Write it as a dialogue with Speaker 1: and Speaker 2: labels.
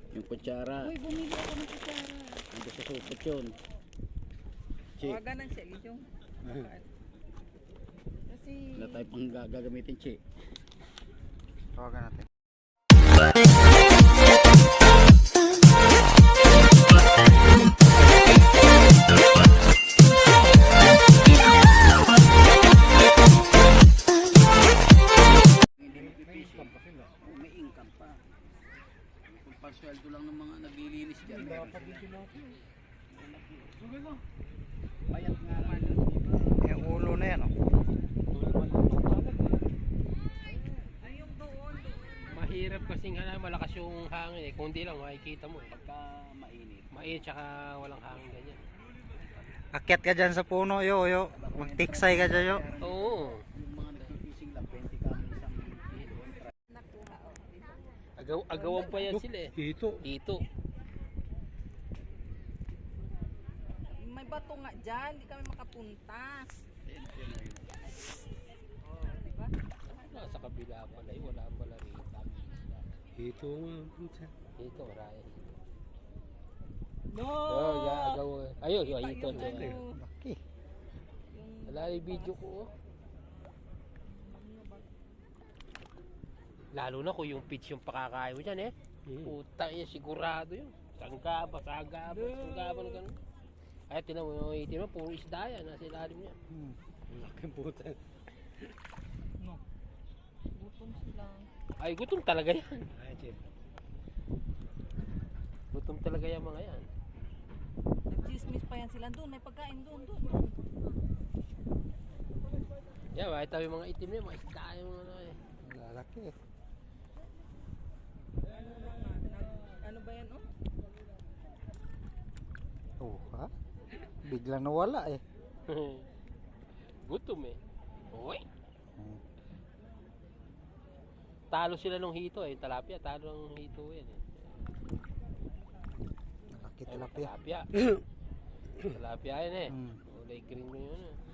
Speaker 1: Yung kutsara.
Speaker 2: Uy, bumili ako ng kutsara.
Speaker 1: Ando sa supot yun. Che.
Speaker 2: Tawagan ng siya, yung. Kasi...
Speaker 1: Wala tayo pang gagamitin, Che.
Speaker 3: Tawagan natin.
Speaker 1: May income pa. Kung pasweldo lang ng mga naglilinis dyan. Payat nga naman.
Speaker 3: Yung ulo na yan, oh.
Speaker 2: Ayun doon.
Speaker 4: Mahirap kasing malakas yung hangin eh. Kung di lang makikita mo eh.
Speaker 1: Pagka mainit.
Speaker 4: Mainit tsaka walang hangin ganyan.
Speaker 3: Akyat ka dyan sa puno, yo. Magtiksay ka dyan, yo.
Speaker 4: Oo.
Speaker 1: Yung mga nagtitising lang, 20 kami isang kilo.
Speaker 2: Nakuha,
Speaker 4: Agawan pa yan sila eh. Dito.
Speaker 2: May bato nga dyan, hindi kami makapunta. Diba?
Speaker 4: Sa kabila pala eh. Wala pala rito.
Speaker 3: Dito
Speaker 4: Dito marami.
Speaker 2: No!
Speaker 4: Agaw. Ayun, ito.
Speaker 2: Yung
Speaker 3: Laki.
Speaker 4: Wala yung video ko oh. Lalo na kung yung pitch yung pakakain mo dyan eh. Puta niya, sigurado yun. Sanggaba na gano'n. Ay, tinan mo, puro isda yan. Nasa ilalim niya.
Speaker 3: Laking puta.
Speaker 2: gutom sila.
Speaker 4: Ay, gutom talaga yan. Gutom talaga yan mga yan.
Speaker 2: Nag-chismis pa yan sila. Doon, may pagkain doon.
Speaker 4: Yan, makita mo yung mga itim niya, mga isda yung mga ano eh.
Speaker 3: Lalaki eh.
Speaker 2: Ano ba yan, oh?
Speaker 3: Oh, ha? Biglang nawala eh.
Speaker 4: Gutom eh. Uy! Talo sila nung hito eh. Talapia, talo ng hito yan eh.
Speaker 3: Laki tilapia.
Speaker 4: Talapia. Talapia yan eh. Kulay green mo yun eh.